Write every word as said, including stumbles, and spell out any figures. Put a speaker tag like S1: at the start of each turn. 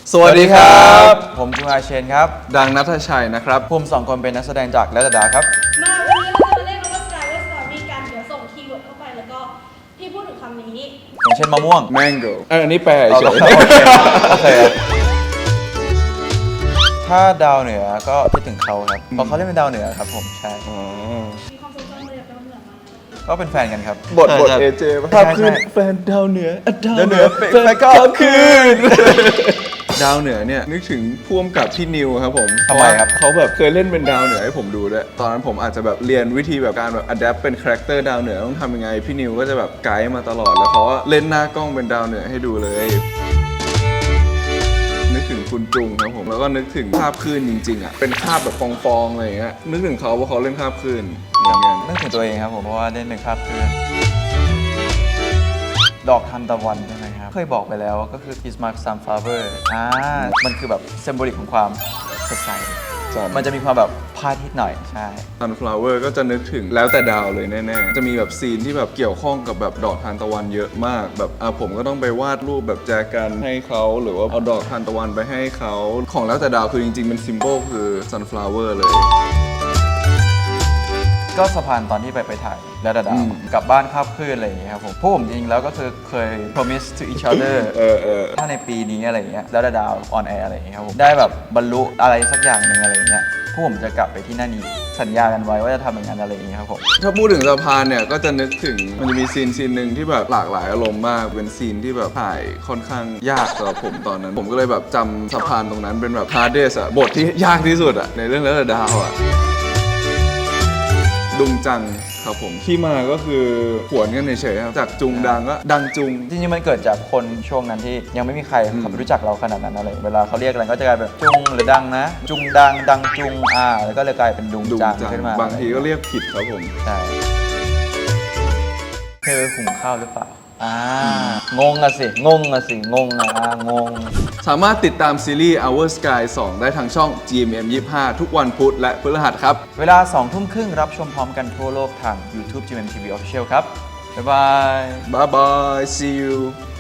S1: สวัสดีครับ
S2: ผมจูอาเชนครับ
S1: ดังณัฐชัยนะครับ
S2: ภูมิสองคนเป็นนักแสดงจากและดาครับ
S3: มาวันนี้เราจะมาเล่นคำว่า Sky West Story กันเดี๋ยวส่งคีย์เวิร์ดเข้าไปแล้วก็พี่พูดถึงคำนี้
S2: อย่างเช่นมะม่วง
S1: mango อันนี้แปลเฉย
S2: โอเคถ้าดาวเหนือก็คิดถึงเขาครับเพราะเขาเล่นเป็นดาวเหนือครับผมใช่
S3: มีความทรงจำอะไรกับดาวเหนือไหม
S2: ก็เป็นแฟนกันครับ
S1: บทบทเอเจภาพขึ้นแฟนดาวเหนือดาวเหนือแฟนก็คืนดาวเหนือเนี่ยนึกถึงพ่วงกับพี่นิวครับผม
S2: ทำไมครับ
S1: เขาแบบเคยเล่นเป็นดาวเหนือให้ผมดูด้วยตอนนั้นผมอาจจะแบบเรียนวิธีแบบการแบบอัดแอปเป็นคาแรคเตอร์ดาวเหนือต้องทำยังไงพี่นิวก็จะแบบไกด์มาตลอดแล้วเขาก็เล่นหน้ากล้องเป็นดาวเหนือให้ดูเลยนึกถึงคุณจุงครับผมแล้วก็นึกถึงภาพคลื่นจริงๆอ่ะเป็นภาพแบบฟองๆอะไรอย่างเงี้ยนึกถึงเขาว่าเขาเล่นภาพคลื่นเหมือนกัน
S2: นึกถึงตัวเองครับผมเพราะว่าเล่นเป็นคาบคลื่นดอกทานตะวันใช่ไหมครับเคยบอกไปแล้วก็คือ Kiss My Sunflower อ่ามันคือแบบเซมโบลิกของความสดใสมันจะมีความแบบพาทิตย์หน่อยใช่
S1: Sunflower ก็จะนึกถึงแล้วแต่ดาวเลยแน่ๆจะมีแบบซีนที่แบบเกี่ยวข้องกับแบบดอกทานตะวันเยอะมากแบบอ่ะผมก็ต้องไปวาดรูปแบบแจกันให้เขาหรือว่าเอาดอกทานตะวันไปให้เขาของแล้วแต่ดาวคือจริงๆเป็นซิมโบลคือ Sunflower เลย
S2: ก็สะพานตอนที่ไปไปถ่ายแล้วดาดาวกลับบ้านคาบคลื่นอะไรอย่างเงี้ยครับผมพวกผมจริงๆแล้วก็คือเคย promise to each other
S1: เออเออ
S2: ถ้าในปีนี้อะไรอย่างเงี้ยแล้วดาดาว on air อะไรอย่างเงี้ยครับผมได้แบบบรรลุอะไรสักอย่างหนึ่งอะไรอย่างเงี้ยพวกผมจะกลับไปที่นั่นอีกสัญญากันไว้ว่าจะทำอย่างนั้นอะไรอย่างเงี้ยครับผม
S1: ถ้าพูดถึงสะพานเนี่ยก็จะนึกถึงมันจะมีซีนซีนหนึ่งที่แบบหลากหลายอารมณ์มากเป็นซีนที่แบบถ่ายค่อนข้างยากสำหรับผมตอนนั้นผมก็เลยแบบจำสะพานตรงนั้นเป็นแบบ hardest อะบทที่ยากที่สุดอะในเรื่องแล้วแต่ดาวอะดุงจังครับผมที่มาก็คือหวนกันเฉยๆครับจากจุงดังก็ดังจุง
S2: จริงๆมันเกิดจากคนช่วงนั้นที่ยังไม่มีใครเขารู้จักเราขนาดนั้นอะไรเวลาเขาเรียกอะไรก็จะกลายเป็นจุงหรือดังนะจุงดังดังจุงอ่าแล้วก็เลยกลายเป็นดุงจังขึ้นมา
S1: บางทีก็เรียกผิดครับผม
S2: ใช่เธอหุงข้าวหรือเปล่าอ่างงอะสิงงอะสิงงอะงง
S1: สามารถติดตามซีรีส์ Our Sky สองได้ทางช่อง จี เอ็ม เอ็ม ยี่สิบห้า ทุกวันพุธและพฤหัสครับ
S2: เวลาสองทุ่มครึ่งรับชมพร้อมกันทั่วโลกทาง YouTube จี เอ็ม เอ็ม ที วี Official ครับบ๊ายบาย
S1: บ๊ายบาย see you